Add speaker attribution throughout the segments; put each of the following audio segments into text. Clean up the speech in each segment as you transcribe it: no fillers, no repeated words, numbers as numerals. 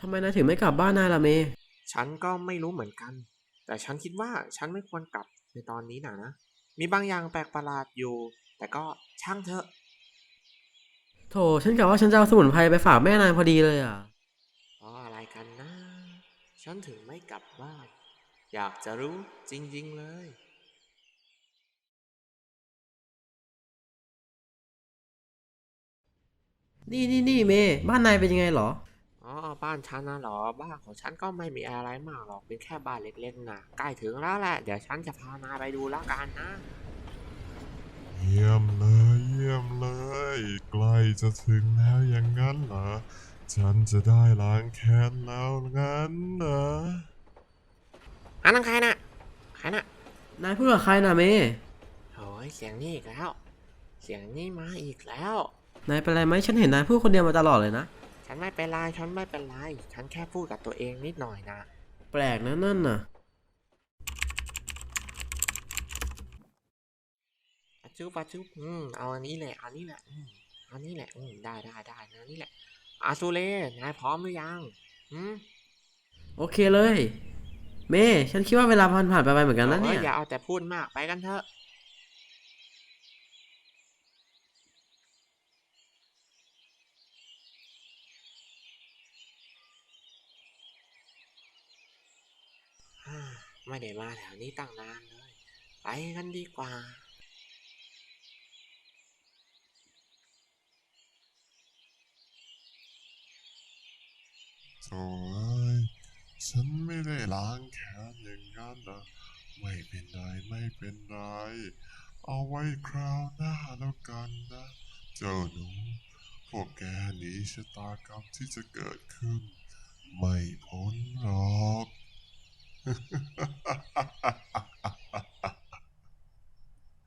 Speaker 1: ทำไมนายถึงไม่กลับบ้านนายล่ะเมย์
Speaker 2: ฉันก็ไม่รู้เหมือนกัน แต่ฉันคิดว่าฉันไม่ควรกลับในตอนนี้นะมีบางอย่างแปลกประหลาดอยู่ แต่ก็ช่างเถอะ
Speaker 1: โถฉันกะว่าฉันจะเอาสมุนไพรไปฝากแม่นายพอดีเลยอ่ะ
Speaker 2: เพราะอะไรกันนะ ฉันถึงไม่กลับบ้าน อยากจะรู้จริงๆเลย
Speaker 1: นี่เมย์บ้านนายเป็นยังไงเหรอ
Speaker 2: อ๋อบ้านฉันนะเหรอบ้านของฉันก็ไม่มีอะไรมากหรอกเป็นแค่บ้านเล็กๆนะใกล้ถึงแล้วแหละเดี๋ยวฉันจะพานายไปดูแล้วกันนะ
Speaker 3: เยี่ยมเลยเยี่ยมเลยใกล้จะถึงแล้วอย่างนั้นเหรอฉันจะได้ล้างแค้นแล้วงั้นเหรอ
Speaker 2: อันนั้นใครน่ะใครน่ะ
Speaker 1: นายพูดกับใครน่ะเมย์
Speaker 2: โอ้ยเสียงนี่อีกแล้วเสียงนี่มาอีกแล้ว
Speaker 1: นายเป็นไรไหมฉันเห็นนายพูดคนเดียวมาตลอดเลยนะ
Speaker 2: ฉันไม่เป็นไรฉันไม่เป็นไรฉันแค่พูดกับตัวเองนิดหน่อยนะ
Speaker 1: แปลกนะนั่นน่ะ
Speaker 2: ปัจจุบเอาอันนี้แหละอันนี้แหละอันนี้แหละได้นะนี่แหละอาซูเล่นายพร้อมหรือยังอืม
Speaker 1: โอเคเลยเมย์ฉันคิดว่าเวลาผ่านไปเหมือนกันนะเนี่ย
Speaker 2: อย่าเอาแต่พูดมากไปกันเถอะไม่ได้มาแถวนี้ตั้งนานเลยไปกันดีกว่า
Speaker 3: โถ่เอ้ยฉันไม่ได้ล้างแค้นอย่างนั้นนะไม่เป็นไรไม่เป็นไรเอาไว้คราวหน้าแล้วกันนะเจ้าหนูพวกแกหนีชะตากรรมที่จะเกิดขึ้นไม่พ้นหรอก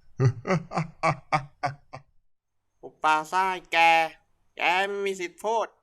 Speaker 2: อุปาซ่ายแกไม่มีสิทธิ์พูด